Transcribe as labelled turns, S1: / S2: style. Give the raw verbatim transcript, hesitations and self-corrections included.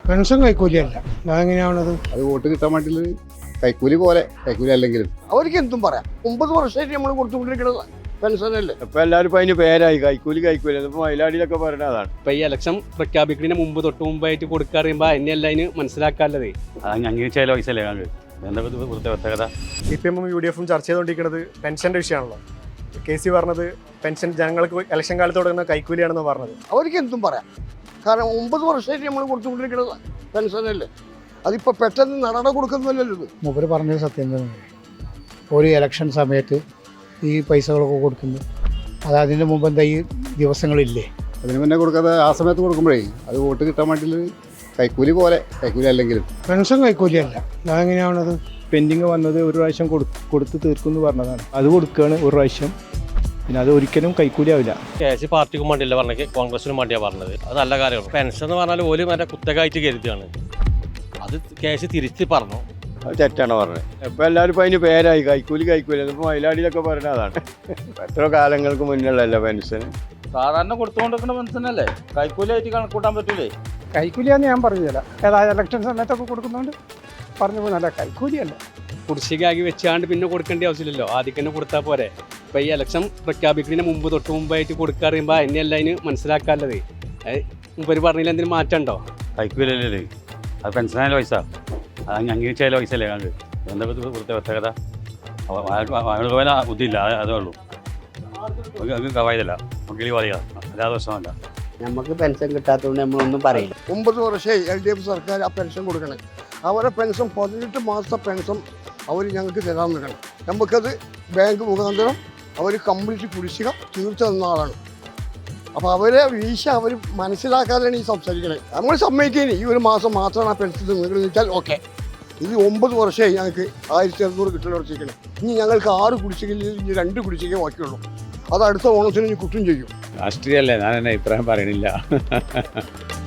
S1: Pension കൈക്കൂലിയല്ല. അതെങ്ങനെയാണത്?
S2: അത് vote കിട്ടാൻ വേണ്ടി കൈക്കൂലി പോലെ, കൈക്കൂലി അല്ലെങ്കിലും
S3: അവർക്ക് എന്തും പറയാം. ഒമ്പത് വർഷമായിട്ട് നമ്മൾ കൊടുത്തുകൊണ്ടിരിക്കുന്നത് പെൻഷനല്ലേ.
S4: ഇപ്പൊ എല്ലാവരും അതിന് പേരായി കൈക്കൂലി കൈക്കൂലി. ഇപ്പൊ മയിലാടിയിലൊക്കെ പറയുന്നത് അതാണ്.
S5: ഇപ്പൊ ഈ ഇലക്ഷൻ പ്രഖ്യാപിക്കുന്നതിന് മുമ്പ് തൊട്ട് മുമ്പായിട്ട് കൊടുക്കാറിയുമ്പോ അതിനെയല്ല അതിന് മനസ്സിലാക്കാനുള്ളത്.
S4: അംഗീകരിച്ചാലോ പൈസ അല്ലേ ഞങ്ങൾക്ക് എന്താ പ്രത്യേകത?
S6: സി പി എമ്മും യു ഡി എഫും ചർച്ച ചെയ്തുകൊണ്ടിരിക്കുന്നത് പെൻഷൻ്റെ വിഷയമാണല്ലോ. കെ സി പറഞ്ഞത് പെൻഷൻ ജനങ്ങൾക്ക് ഇലക്ഷൻ കാലത്ത് കൊടുക്കുന്ന കൈക്കൂലിയാണെന്ന് പറഞ്ഞത്.
S3: അവർക്ക് എന്തും പറയാം. കാരണം ഒമ്പത് വർഷമായിട്ട് നമ്മൾ കൊടുത്തുകൊണ്ടിരിക്കുന്നത് പെൻഷനല്ലേ. അതിപ്പോൾ പെട്ടെന്ന് നടന കൊടുക്കുന്നില്ലല്ലോ ഇത്.
S1: മൂപ്പര് പറഞ്ഞത് സത്യം തന്നെ. ഒരു ഇലക്ഷൻ സമയത്ത് ഈ പൈസകളൊക്കെ കൊടുക്കുന്നു. അത് അതിന് മുമ്പ് എന്താ ഈ ദിവസങ്ങളില്ലേ?
S2: അതിന് മുന്നേ കൊടുക്കാതെ ആ സമയത്ത് കൊടുക്കുമ്പോഴേ അത് വോട്ട് കിട്ടാൻ വേണ്ടി കൈക്കൂലി പോലെ, കൈക്കൂലി അല്ലെങ്കിലും
S1: പെൻഷൻ കൈക്കൂലിയല്ല. അതെങ്ങനെയാണത്?
S7: പെൻഡിങ് വന്നത് ഒരു പ്രാവശ്യം കൊടുത്ത് തീർക്കും എന്ന് പറഞ്ഞതാണ്. അത് കൊടുക്കുകയാണ് ഒരു പ്രാവശ്യം. പിന്നെ അത് ഒരിക്കലും കൈക്കൂലിയാവില്ല.
S8: കെ സി പാർട്ടിക്കും വേണ്ടിയല്ല പറഞ്ഞത്, കോൺഗ്രസിനും വേണ്ടിയാണ് പറഞ്ഞത്. അത് നല്ല കാര്യമാണ്. പെൻഷൻ എന്ന് പറഞ്ഞാൽ ഒരു മറ്റേ കുത്തകായിട്ട് കരുതുകയാണ്. അത് കെ സി തിരിച്ച് പറഞ്ഞു.
S4: അത് തെറ്റാണ് പറഞ്ഞത്. ഇപ്പൊ എല്ലാവരും ഇപ്പൊ അതിന് പേരായി കൈക്കൂലി കൈക്കൂലി. ഇപ്പൊ മയിലാടിയിലൊക്കെ പറയുന്നത് അതാണ്. എത്ര കാലങ്ങൾക്ക് മുന്നുള്ളല്ലോ പെൻഷൻ.
S9: സാധാരണ കൊടുത്തുകൊണ്ടിരിക്കുന്ന പെൻഷനല്ലേ, കൈക്കൂലിയായിട്ട് കണക്കൂട്ടാൻ പറ്റൂലേ?
S1: കൈക്കൂലിയാന്ന് ഞാൻ പറഞ്ഞില്ല. ഏതായാലും ഇലക്ഷൻ സമയത്തൊക്കെ കൊടുക്കുന്നുണ്ട് പറഞ്ഞു പോന്നല്ല, കൈക്കൂലിയല്ല.
S5: കുടിശ്ശികയാക്കി വെച്ചാണ്ട് പിന്നെ കൊടുക്കേണ്ട ആവശ്യമില്ലല്ലോ, ആദ്യം തന്നെ കൊടുത്താൽ പോരെ. ഇപ്പൊ ഈ ഇലക്ഷൻ പ്രഖ്യാപിക്കുന്നതിന് മുമ്പ് തൊട്ട് മുമ്പായിട്ട് കൊടുക്കാറിയുമ്പോ അതിനെയല്ല അതിന് മനസ്സിലാക്കാനുള്ളത്. മുമ്പര് പറഞ്ഞതിൽ എന്തെങ്കിലും മാറ്റമുണ്ടോ?
S4: കൈക്കൂലി അല്ലേ അത് പെൻഷനായാലും പൈസ. അത് അംഗീകരിച്ചായാലും പൈസ അല്ലേ ഞങ്ങൾക്ക് എന്താ പ്രത്യേകത? പോലെ ബുദ്ധിയില്ല, അതേ ഉള്ളൂ. കവായതല്ല കിളി പറയുക, അല്ലാതെ പ്രശ്നമല്ല.
S10: നമുക്ക് പെൻഷൻ കിട്ടാത്തതുകൊണ്ട് നമ്മളൊന്നും പറയില്ല.
S3: ഒമ്പത് വർഷമായി എൽ ഡി എഫ് സർക്കാർ ആ പെൻഷൻ കൊടുക്കണേ. അവരെ പെൻഷൻ പതിനെട്ട് മാസത്തെ പെൻഷൻ അവർ ഞങ്ങൾക്ക് തരാൻ നിൽക്കണം. നമുക്കത് ബാങ്ക് മുഖാന്തരം അവർ കംപ്ലീറ്റ് കുടിശ്ശിക തീർച്ച തന്ന ആളാണ്. അപ്പോൾ അവരെ വീഴ്ച അവർ മനസ്സിലാക്കാതെയാണ് ഈ സംസാരിക്കണത്. നമ്മൾ സമ്മതിക്കേനി ഈ ഒരു മാസം മാത്രമാണ് ആ പെൻഷൻ നിങ്ങൾക്ക് വെച്ചാൽ ഓക്കെ. ഇത് ഒമ്പത് വർഷമായി ഞങ്ങൾക്ക് ആയിരത്തി അറുന്നൂറ് കിട്ടൽ ഉറച്ചിരിക്കണേ. ഇനി ഞങ്ങൾക്ക് ആറ് കുടിശ്ശികയിൽ ഇനി രണ്ട് കുടിശ്ശിക ബാക്കിയുള്ളൂ. അത് അടുത്ത ഓണത്തിന് ഇനി കുറ്റം ചെയ്യും.
S4: രാഷ്ട്രീയമല്ലേ, ഞാൻ എന്നെ അഭിപ്രായം പറയണില്ല.